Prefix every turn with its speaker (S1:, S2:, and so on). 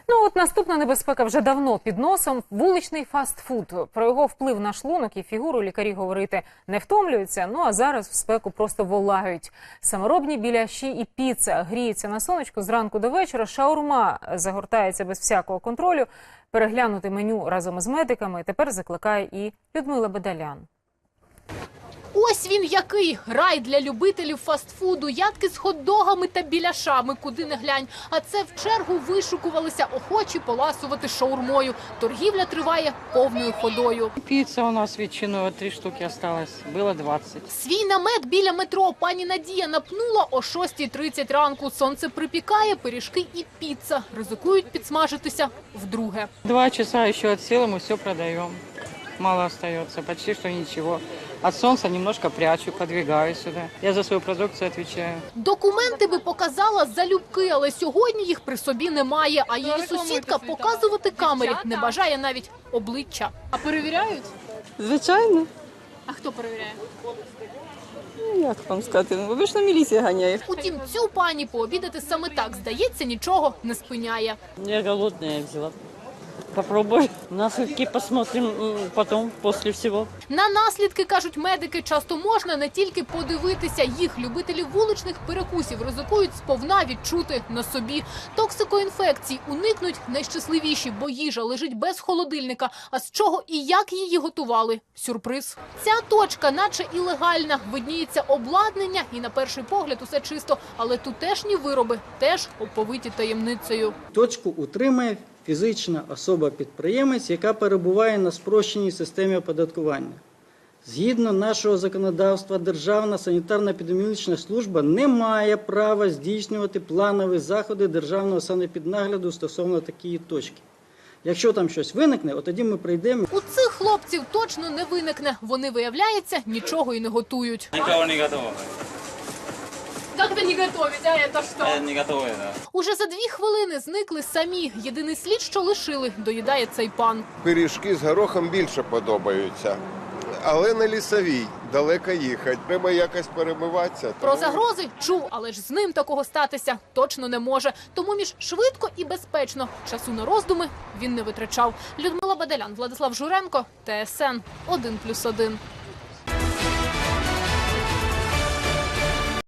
S1: Ну от наступна небезпека вже давно під носом – вуличний фастфуд. Про його вплив на шлунок і фігуру лікарі говорити не втомлюються, ну а зараз в спеку просто волають. Саморобні біляші і піца гріються на сонечку зранку до вечора, шаурма загортається без всякого контролю. Переглянути меню разом із медиками тепер закликає і Людмила Бадалян.
S2: Ось він який – рай для любителів фастфуду, ядки з хот-догами та біляшами, куди не глянь. А це в чергу вишукувалися охочі поласувати шаурмою. Торгівля триває повною ходою.
S3: Піца у нас ветчиною 3 штуки осталось, було 20.
S2: Свій намет біля метро пані Надія напнула о 6:30 ранку. Сонце припікає, пиріжки і піца. Ризикують підсмажитися вдруге.
S3: 2 часа ще відсіли, ми все продаємо. Мало остается, почти что ничего. От солнца немножко прячу, подвигаю сюда. Я за свою продукцию отвечаю.
S2: Документи би показала залюбки, але сьогодні їх при собі немає. А її сусідка показувати камері не бажає навіть обличчя. А перевіряють?
S4: Звичайно.
S2: А хто перевіряє?
S4: Як вам сказати, обично міліція ганяє.
S2: Утім, цю пані пообідати саме так, здається, нічого не спиняє.
S3: Я голодная, я взяла. Попробуй. Наследки посмотрим потом, после всего.
S2: На наслідки, кажуть медики, часто можна не тільки подивитися. Їх любителі вуличних перекусів ризикують сповна відчути на собі. Токсикоінфекцій уникнуть найщасливіші, бо їжа лежить без холодильника. А з чого і як її готували – сюрприз. Ця точка наче і легальна. Видніється обладнання і на перший погляд усе чисто. Але тутешні вироби теж оповиті таємницею.
S5: Точку утримує фізична особа-підприємець, яка перебуває на спрощеній системі оподаткування. Згідно нашого законодавства, Державна санітарно-епідеміологічна служба не має права здійснювати планові заходи державного санепіднагляду стосовно такої точки. Якщо там щось виникне, от тоді ми прийдемо.
S2: У цих хлопців точно не виникне. Вони, виявляється, нічого і не готують.
S6: Никого не готово.
S2: Як ви не готуєте, а це що?
S6: Не готовы, да.
S2: Уже за 2 хвилини зникли самі. Єдиний слід, що лишили, доїдає цей пан.
S7: Пиріжки з горохом більше подобаються. Але на Лісовій далеко їхати. Треба якось перемиватися.
S2: Про загрози чув, але ж з ним такого статися точно не може. Тому між швидко і безпечно часу на роздуми він не витрачав. Людмила Бадалян, Владислав Журенко, ТСН 1+1.